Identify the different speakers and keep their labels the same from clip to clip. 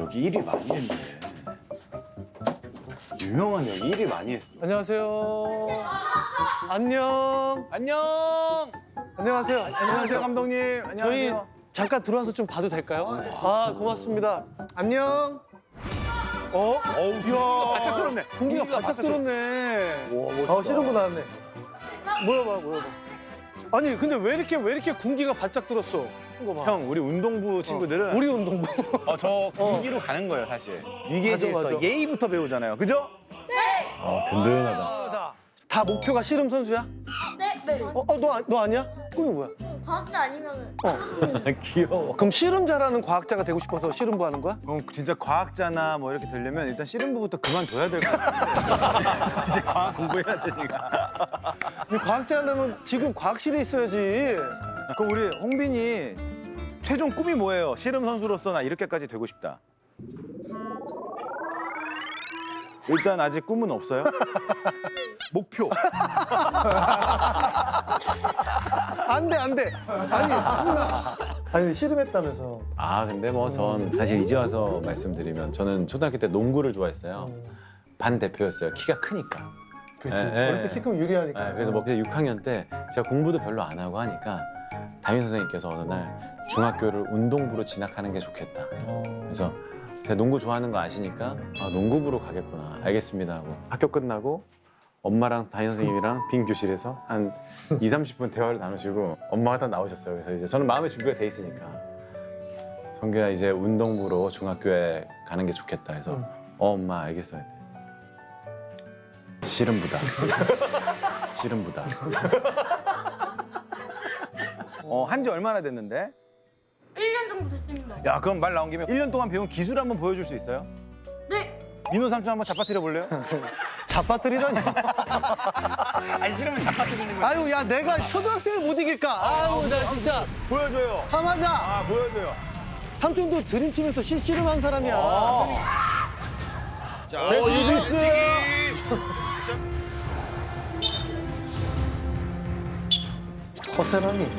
Speaker 1: 여기 일이 많이 했네. 유명한 여기 일이 많이 했어.
Speaker 2: 안녕하세요. 안녕.
Speaker 1: 안녕.
Speaker 2: 안녕하세요.
Speaker 1: 안녕하세요 감독님.
Speaker 2: 저희
Speaker 1: 안녕하세요.
Speaker 2: 잠깐 들어와서 좀 봐도 될까요? 아, 고맙습니다. 안녕.
Speaker 1: 어우, 바짝 들었네.
Speaker 2: 공기가 바짝 들었네.
Speaker 1: 우와, 멋있다.
Speaker 2: 씨름부 나왔네. 물어봐. 아니, 근데 왜 이렇게 군기가 바짝 들었어? 이거 봐.
Speaker 1: 형, 우리 운동부 친구들은
Speaker 2: 우리 운동부.
Speaker 1: 저 군기로 가는 거예요, 사실. 위기에
Speaker 2: 맞아,
Speaker 1: 질서,
Speaker 2: 맞아.
Speaker 1: 예의부터 배우잖아요. 그죠?
Speaker 3: 든든하다.
Speaker 2: 다 목표가 씨름 선수야?
Speaker 4: 네.
Speaker 2: 너 아니야? 꿈이 뭐야?
Speaker 4: 과학자 아니면은
Speaker 1: 귀여워.
Speaker 2: 그럼 씨름 잘하는 과학자가 되고 싶어서 씨름부 하는 거야?
Speaker 1: 그럼 진짜 과학자나 뭐 이렇게 되려면 일단 씨름부부터 그만둬야 될 것 같아. 이제 과학 공부해야 되니까.
Speaker 2: 이 과학자라면 지금 과학실에 있어야지.
Speaker 1: 그럼 우리 홍빈이 최종 꿈이 뭐예요? 씨름 선수로서 나 이렇게까지 되고 싶다. 일단 아직 꿈은 없어요? 목표.
Speaker 2: 안 돼. 아니, 씨름했다면서.
Speaker 3: 아 근데 뭐 전 사실 이제 와서 말씀드리면 저는 초등학교 때 농구를 좋아했어요. 반 대표였어요. 키가 크니까.
Speaker 2: 그렇지.
Speaker 3: 예,
Speaker 2: 어렸을 때 키 크면 유리하니까.
Speaker 3: 네, 그래서 뭐 이제 6학년 때 제가 공부도 별로 안 하고 하니까 담임 선생님께서 어느 날 중학교를 운동부로 진학하는 게 좋겠다. 그래서 제가 농구 좋아하는 거 아시니까 농구부로 가겠구나. 알겠습니다 하고 학교 끝나고 엄마랑 담임 선생님이랑 빈 교실에서 한 2, 30분 대화를 나누시고 엄마가 딱 나오셨어요. 그래서 이제 저는 마음의 준비가 돼 있으니까 성규야 이제 운동부로 중학교에 가는 게 좋겠다 해서 엄마 알겠어요. 씨름부다. 씨름부다.
Speaker 1: 한지 얼마나 됐는데?
Speaker 4: 1년 정도 됐습니다.
Speaker 1: 야, 그럼 말 나온 김에 1년 동안 배운 기술 한번 보여줄 수 있어요?
Speaker 4: 네.
Speaker 1: 민호 삼촌 한번 잡아뜨려 볼래요?
Speaker 2: 잡아뜨리다니.
Speaker 1: 아니, 싫으면 잡아뜨리는 거야.
Speaker 2: 아유, 야, 내가 초등학생을 못 이길까? 아유, 나 진짜.
Speaker 1: 보여줘요.
Speaker 2: 하마자.
Speaker 1: 아, 보여줘요.
Speaker 2: 삼촌도 드림팀에서 씨름한 사람이야.
Speaker 1: 자,
Speaker 2: 이비스. 허세라니.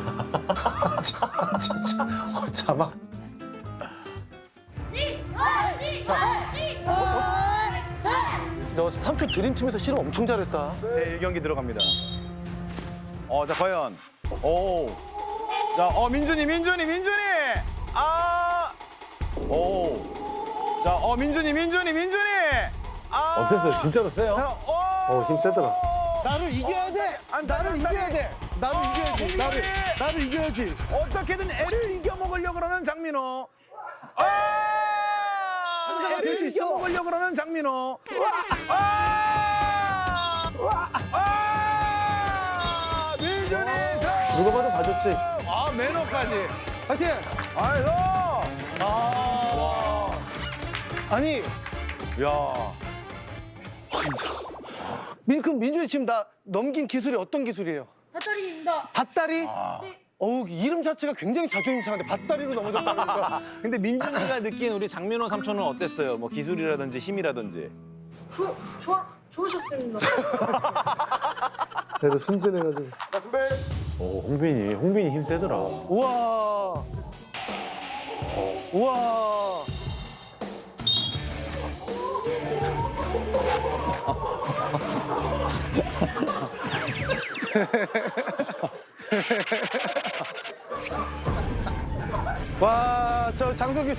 Speaker 2: 진짜. 자막. 너 삼촌 드림팀에서 씨름 엄청 잘했다.
Speaker 1: 제 1경기 들어갑니다. 자, 과연. 오. 자, 민준이. 자, 민준이.
Speaker 3: 어땠어요? 진짜로 세요?
Speaker 1: 자,
Speaker 2: 힘 세더라. 나를 이겨야 돼. 나를 이겨야 돼. 나를 이겨야지. 나를 이겨야지.
Speaker 1: 어떻게든 애를 이겨먹으려고 그러는 장민호.
Speaker 2: 항상 될수
Speaker 1: 애를
Speaker 2: 있어.
Speaker 1: 이겨먹으려고 그러는 장민호. 민준이
Speaker 2: 누가 봐도 봐줬지.
Speaker 1: 매너까지.
Speaker 2: 파이팅!
Speaker 1: 아이고.
Speaker 2: 아니,
Speaker 1: 야.
Speaker 2: 그럼 민준이 지금 나 넘긴 기술이 어떤 기술이에요?
Speaker 4: 배터리입니다.
Speaker 2: 밭다리?
Speaker 4: 네.
Speaker 2: 어우, 이름 자체가 굉장히 자존심 상한데 밭다리로 넘어졌다니까.
Speaker 1: 근데 민준이가 느낀 우리 장민호 삼촌은 어땠어요? 뭐 기술이라든지 힘이라든지.
Speaker 4: 좋으셨습니다.
Speaker 2: 그래도 순진해가지고.
Speaker 3: 홍빈이 힘 세더라.
Speaker 2: 우와. 우와. 와, 저 장성규.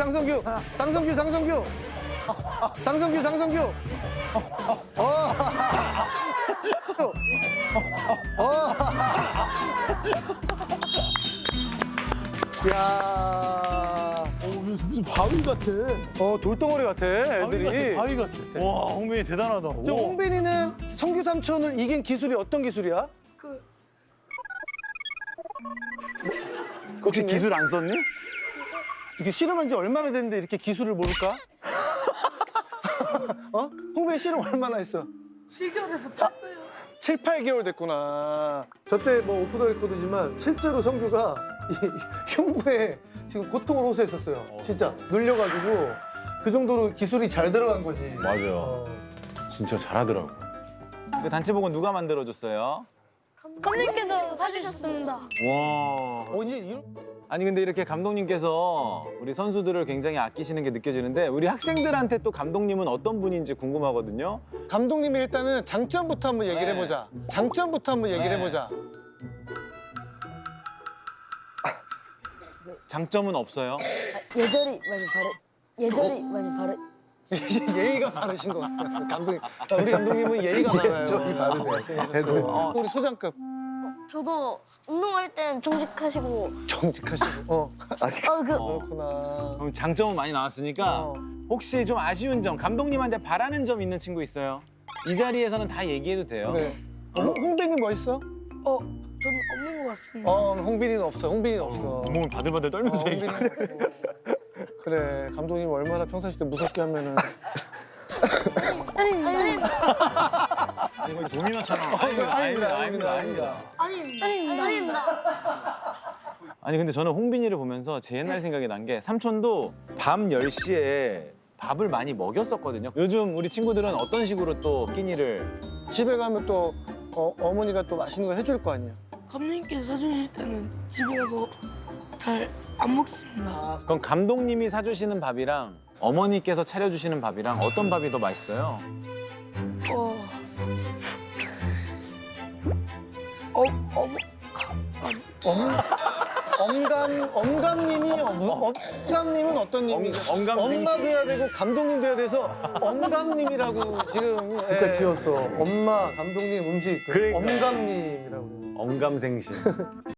Speaker 2: 야.
Speaker 5: 무슨 바위 같아.
Speaker 2: 돌덩어리 같아, 애들이.
Speaker 5: 바위 같아.
Speaker 1: 와, 홍빈이 대단하다.
Speaker 2: 저 홍빈이는 성규 삼촌을 이긴 기술이 어떤 기술이야?
Speaker 1: 혹시 기술 안 썼니?
Speaker 2: 이렇게 씨름한 지 얼마나 됐는데 이렇게 기술을 모를까? 홍빈이 씨름 얼마나 했어?
Speaker 4: 7개월에서 8개월.
Speaker 2: 7, 8개월 됐구나. 저때 뭐 오프 더 레코드지만 실제로 성규가 이 흉부에 지금 고통을 호소했었어요. 진짜 눌려가지고 그 정도로 기술이 잘 들어간 거지.
Speaker 3: 맞아. 진짜 잘하더라고.
Speaker 1: 그 단체복은 누가 만들어줬어요?
Speaker 4: 감독님께서 사주셨습니다.
Speaker 1: 와. 아니 근데 이렇게 감독님께서 우리 선수들을 굉장히 아끼시는 게 느껴지는데 우리 학생들한테 또 감독님은 어떤 분인지 궁금하거든요.
Speaker 2: 감독님이 일단은 장점부터 한번 얘기를
Speaker 1: 네.
Speaker 2: 해보자. 장점부터 한번 얘기를
Speaker 1: 네.
Speaker 2: 해보자.
Speaker 1: 장점은 없어요.
Speaker 5: 예절이 많이 바르.
Speaker 2: 예의가 바르신 것 같아요. 감독님. 우리 감독님은 예의가 많아요.
Speaker 1: 어.
Speaker 2: 우리 소장급
Speaker 4: 저도 운동할 땐 정직하시고
Speaker 2: 정직하시고. 그렇구나.
Speaker 1: 그럼 장점은 많이 나왔으니까
Speaker 2: 어.
Speaker 1: 혹시 좀 아쉬운 점, 감독님한테 바라는 점 있는 친구 있어요? 이 자리에서는 다 얘기해도 돼요.
Speaker 2: 그래. 홍빈이 뭐 있어?
Speaker 4: 저는 없는 것 같습니다.
Speaker 2: 홍빈이는 없어. 홍빈이는 없어.
Speaker 1: 몸을 바들바들 떨면서 얘기해.
Speaker 2: 홍빈이는 없고. 그래. 감독님 얼마나 평상시 때 무섭게 하면은.
Speaker 1: 이거 종이나처럼. 아닙니다.
Speaker 4: 아닙니다.
Speaker 1: 아니 근데 저는 홍빈이를 보면서 제 옛날 생각이 난 게 삼촌도 밤 10시에 밥을 많이 먹였었거든요. 요즘 우리 친구들은 어떤 식으로 또 끼니를
Speaker 2: 집에 가면 또 어머니가 또 맛있는 거 해줄 거 아니야.
Speaker 6: 감독님께서 사주실 때는 집에 가서 잘 안 먹습니다.
Speaker 1: 그럼 감독님이 사주시는 밥이랑 어머니께서 차려주시는 밥이랑 어떤 밥이 더 맛있어요?
Speaker 2: 엄감님은 어떤 님이?
Speaker 1: 엄감
Speaker 2: 엄마도 해야 되고 감독님도 해야 돼서 엄감님이라고 지금. 진짜 귀여웠어. 엄마, 감독님, 음식.
Speaker 1: 그러니까.
Speaker 2: 엄감님이라고.
Speaker 3: 엄감생심.